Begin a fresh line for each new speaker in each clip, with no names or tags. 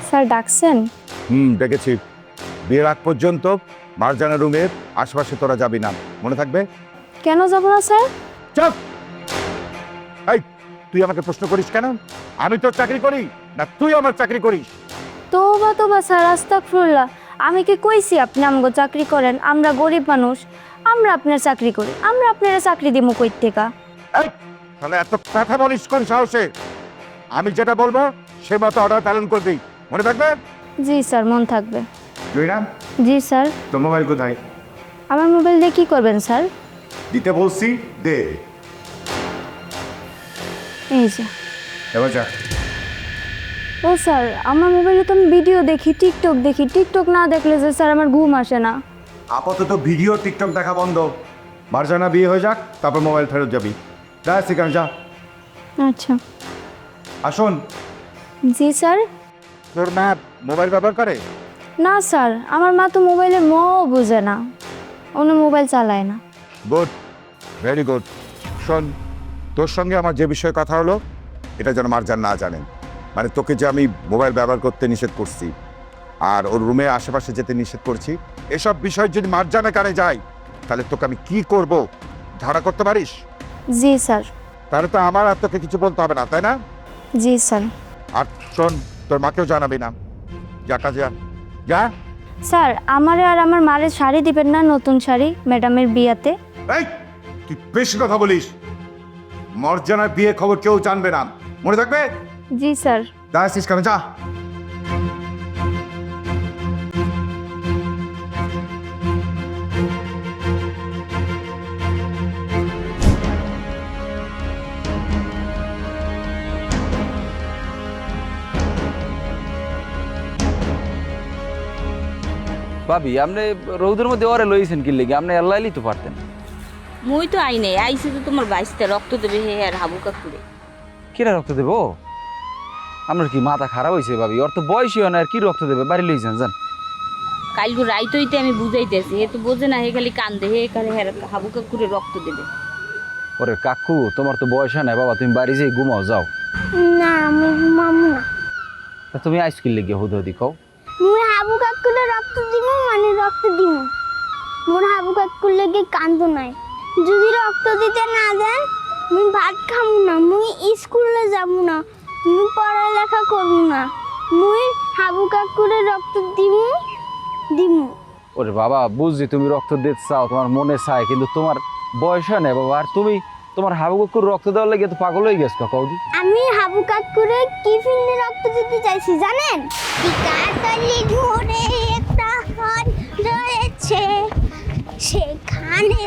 Sir ডাকছেন?
ডেকেছি। বিয়ের আগ পর্যন্ত মারজানা রুমের আশপাশে তোরা যাবি না, মনে থাকবে?
কেন যাব না স্যার?
চুপ! এই, তুই আমাকে প্রশ্ন করিস কেন? আমি তোর চাকরি করি না তুই আমার চাকরি করিস?
তোবা তোবা স্যার, আস্তাগফিরুল্লাহ। আমি কি কইছি আপনি আমগো চাকরি করেন? আমরা গরিব মানুষ, আমরা আপনার চাকরি করি, আমরা আপনার চাকরি দিমু কই থেকে?
এই, তাহলে এত কথা বলিস কোন সাহসে? আমি যেটা বলবো সে মতো অর্ডার পালন করবি, মনে থাকবে?
জি স্যার, মন থাকবে।
জয়রাম,
জি স্যার।
তোর মোবাইল কোথায়?
আমার মোবাইল দিয়ে কি করবেন স্যার?
দিতে বলছি, দে।
এই যে।
এবার যা।
ও স্যার, আমার মোবাইলে তো আমি ভিডিও দেখি, টিকটক দেখি। টিকটক না দেখলে যে স্যার আমার ঘুম আসে না।
আপাতত ভিডিও টিকটক দেখা বন্ধ। মারজানা বিয়ে হয়ে যাক, তারপর মোবাইল ফেরত যাবি। যা সেখানে যা।
আচ্ছা।
আসুন।
জি স্যার।
তোর মা মোবাইল ব্যবহার করে?
না স্যার, আমার মা তো মোবাইলের মও বুঝে না, উনি মোবাইল চালায় না।
Good, very good. শোন, তোর সঙ্গে আমার যে বিষয়ে কথা হলো এটা যেন মারজান না জানেন। মানে তোকে যে আমি মোবাইল ব্যবহার করতে নিষেধ করছি আর ওর রুমে আশেপাশে যেতে নিষেধ করছি, এসব বিষয় যদি মারজানা কানে যায় তাহলে তোকে আমি কি করব ধারা করতে পারিস?
জি স্যার।
তাহলে তো আমার আর তোকে কিছু বলতে হবে না, তাই না?
জি স্যার।
আর শোন, তোর মাকেও জানাবি না। যা কাজে যা। যা।
স্যার, আমারে আর আমার মারে শাড়ি দিবেন না, নতুন শাড়ি ম্যাডামের বিয়াতে?
এই, তুই বেশি কথা বলিস। মারজানার বিয়ে খবর কেউ জানবে না, মনে থাকবে?
জি স্যার।
যা আসিস কেন, যা।
ভাবি আপনি রৌদের মধ্যে ওরে লইছেন কি লেগে? আপনি আল্লাহই তো পারতেন।
মুই তো আই নাই, আইসি তো তোমার বাইশটা রক্ত দেবে হে আর হাবু কাকুরে।
কিরা রক্ত দেবো? আপনার কি মাথা খারাপ হয়েছে ভাবি? ওর তো বয়সই হয় না, আর কি রক্ত দেবে? বাড়ি লইছেন যান।
কালকে রাইত হইতে আমি বুঝাইতেছি, হে তো বোঝে না, হে খালি কান্দে, হে খালি হে হাবু কাকুরে রক্ত দেবে।
ওরে কাকু, তোমার তো বয়স হয় না বাবা, তুমি বাড়ি যেয়ে ঘুমাও যাও।
না আমি ঘুমাবো না।
তা তুমি আইস কি লেগে হুদি কও?
মোর হাবু কাকুলে রক্ত দিব, মানে রক্ত দিব। মোর হাবু কাকুর লেগে কান্দ নাই। যদি রক্ত দিতে না দেন মুই ভাত খামু না, মুই স্কুলে যাবো না, মুই পড়ালেখা করবো না। মুই হাবু কাকুরে রক্ত দিমু দিমু।
ওরে বাবা, বুঝছি তুমি রক্ত দিতে চাও, তোমার মনে চায়, কিন্তু তোমার বয়স হয় না বাবা। আর তুমি তোমার হাবু কাকুর রক্ত দেওয়ার লেগে তো পাগল হয়ে গেছো কৌদি।
আমি হাবু কাকুরে কি ফিল্মে রক্ত দিতে চাইছি জানেন? টিকাতলি ঘুরে একটা হন রয়েছে, সেখানে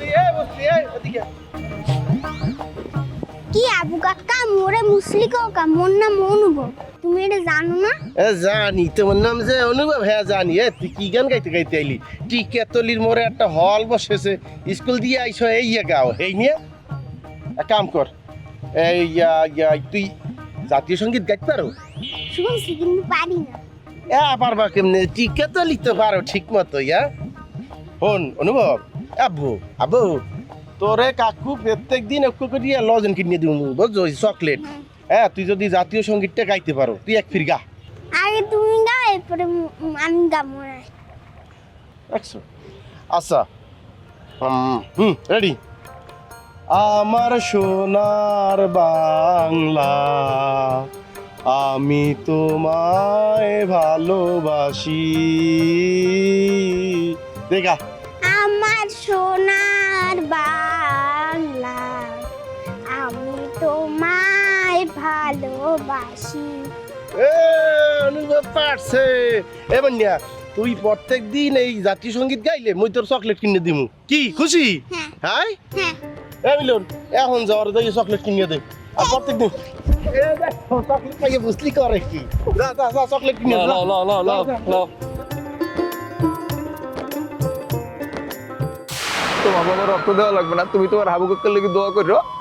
কি আবু কাকা মোরে মুসলি কাকা, মোর নাম অনুভব, তুমি এটা জানো না?
জানি, তোমার নাম যে অনুভব। হ্যাঁ জানি। তুই কি গান গাইতে গাইতে আইলি? টিকাতলির মোড়ে একটা হল বসেছে, স্কুল দিয়ে আইসো এই গাও, এই নিয়ে এক কাম কর, এই তুই জাতীয় সঙ্গীত গাইতে পারো?
শুনছি কিন্তু পারি না।
পারবা কেমনে? টিকাতলি তো পারো ঠিক মতো। হন অনুভব, আব্বু আব্বু, তোরে কাকু প্রত্যেক দিন একটু করে লজেন কিনে দিব, বুঝছো? চকলেট। তুই যদি জাতীয় সঙ্গীতটা গাইতে পারো, তুই এক ফির গা।
আগে তুমি গাও, এরপরে আমি গাবো না।
আচ্ছা, রেডি। আমার সোনার বাংলা, আমি তোমায় ভালোবাসি। দেখা
আমার সোনার বাংলা, আমি তোমায় ভালোবাসি।
অনুভব পারছে। এবার নিয়া তুই প্রত্যেক দিন এই জাতীয় সঙ্গীত গাইলে মুই তোর চকলেট কিনে দিমু। কি খুশি? হ্যাঁ
হ্যাঁ।
মিলন, এখন যাওয়ার দেখি চকলেট কিনে দে। আর প্রত্যেক দিন চকলেট খাইয়ে বুঝলি করে কি? যা যা যা, চকলেট কিনে দে।
তোমার বাবা রক্ত দেওয়া লাগবে না, তুমি তোমার হাবু কাকুর লেগে দোয়া করো।